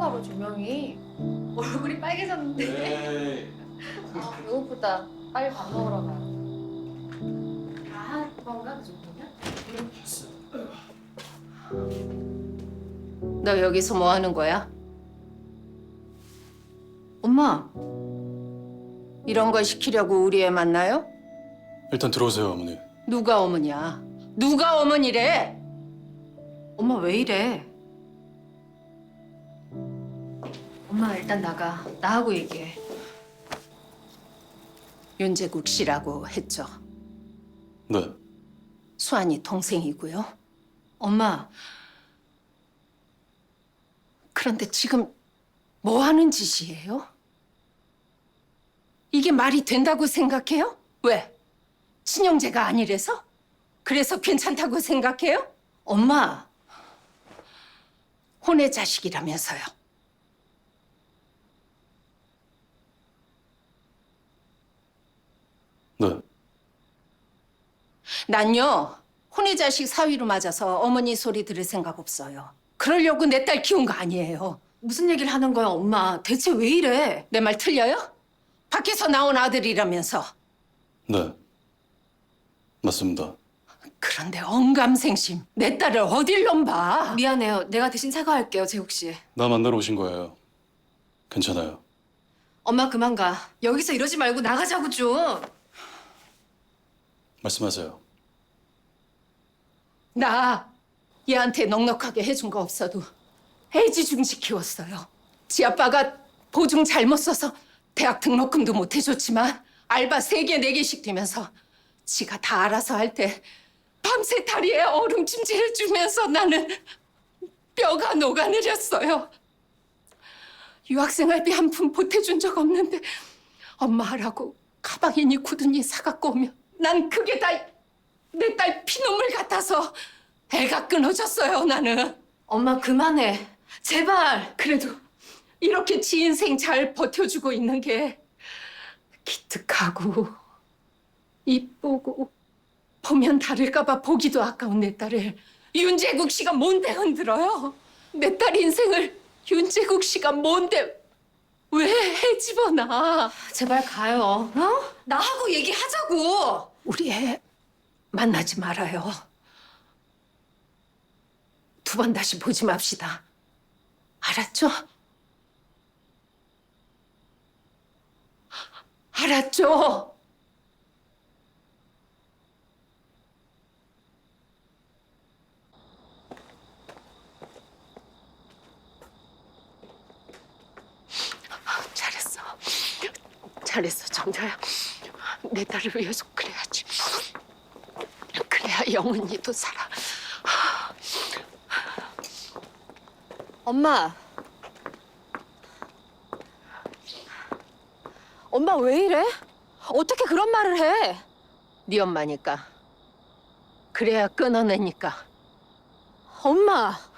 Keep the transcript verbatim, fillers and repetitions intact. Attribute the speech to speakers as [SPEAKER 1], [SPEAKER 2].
[SPEAKER 1] 켰나 봐 조명이. 얼굴이 빨개졌는데.
[SPEAKER 2] 에이.
[SPEAKER 1] 아, 배고프다. 빨리 밥 먹으러 가. 아, 뭔가 그 정도면?
[SPEAKER 3] 너 여기서 뭐 하는 거야?
[SPEAKER 1] 엄마,
[SPEAKER 3] 이런 거 시키려고 우리 애 만나요?
[SPEAKER 2] 일단 들어오세요, 어머니.
[SPEAKER 3] 누가 어머니야? 누가 어머니래?
[SPEAKER 1] 엄마 왜 이래? 엄마 일단 나가. 나하고 얘기해.
[SPEAKER 3] 윤재국 씨라고 했죠.
[SPEAKER 2] 네.
[SPEAKER 3] 수환이 동생이고요.
[SPEAKER 1] 엄마,
[SPEAKER 3] 그런데 지금 뭐 하는 짓이에요? 이게 말이 된다고 생각해요? 왜? 친형제가 아니래서? 그래서 괜찮다고 생각해요?
[SPEAKER 1] 엄마.
[SPEAKER 3] 혼의 자식이라면서요.
[SPEAKER 2] 네.
[SPEAKER 3] 난요, 혼의 자식 사위로 맞아서 어머니 소리 들을 생각 없어요. 그러려고 내 딸 키운 거 아니에요.
[SPEAKER 1] 무슨 얘기를 하는 거야, 엄마? 대체 왜 이래?
[SPEAKER 3] 내 말 틀려요? 밖에서 나온 아들이라면서.
[SPEAKER 2] 네. 맞습니다.
[SPEAKER 3] 그런데 언감생심, 내 딸을 어딜 넘봐.
[SPEAKER 1] 미안해요. 내가 대신 사과할게요, 재국 씨.
[SPEAKER 2] 나 만나러 오신 거예요. 괜찮아요.
[SPEAKER 1] 엄마 그만 가. 여기서 이러지 말고 나가자고 좀.
[SPEAKER 2] 말씀하세요.
[SPEAKER 3] 나 얘한테 넉넉하게 해준 거 없어도 애지중지 키웠어요. 지 아빠가 보증 잘못 써서 대학 등록금도 못 해줬지만 알바 세 개, 네 개씩 뛰면서 지가 다 알아서 할 때 밤새 다리에 얼음찜질을 주면서 나는 뼈가 녹아내렸어요. 유학생활비 한 푼 보태준 적 없는데 엄마 하라고 가방이니 구두니 사갖고 오면 난 그게 다 내 딸 피눈물 같아서 애가 끊어졌어요, 나는.
[SPEAKER 1] 엄마 그만해. 제발.
[SPEAKER 3] 그래도 이렇게 지 인생 잘 버텨주고 있는 게 기특하고 이쁘고 보면 다를까 봐 보기도 아까운 내 딸을 윤재국 씨가 뭔데 흔들어요? 내 딸 인생을 윤재국 씨가 뭔데 왜 해집어놔?
[SPEAKER 1] 제발 가요. 어? 나하고 얘기하자고.
[SPEAKER 3] 우리 애 만나지 말아요. 두 번 다시 보지 맙시다. 알았죠? 알았죠? 잘했어. 잘했어, 정자야. 내 딸을 위해서 그래야지. 그래야 영은이도 살아.
[SPEAKER 1] 엄마. 엄마 왜 이래? 어떻게 그런 말을 해?
[SPEAKER 3] 네 엄마니까. 그래야 끊어내니까.
[SPEAKER 1] 엄마.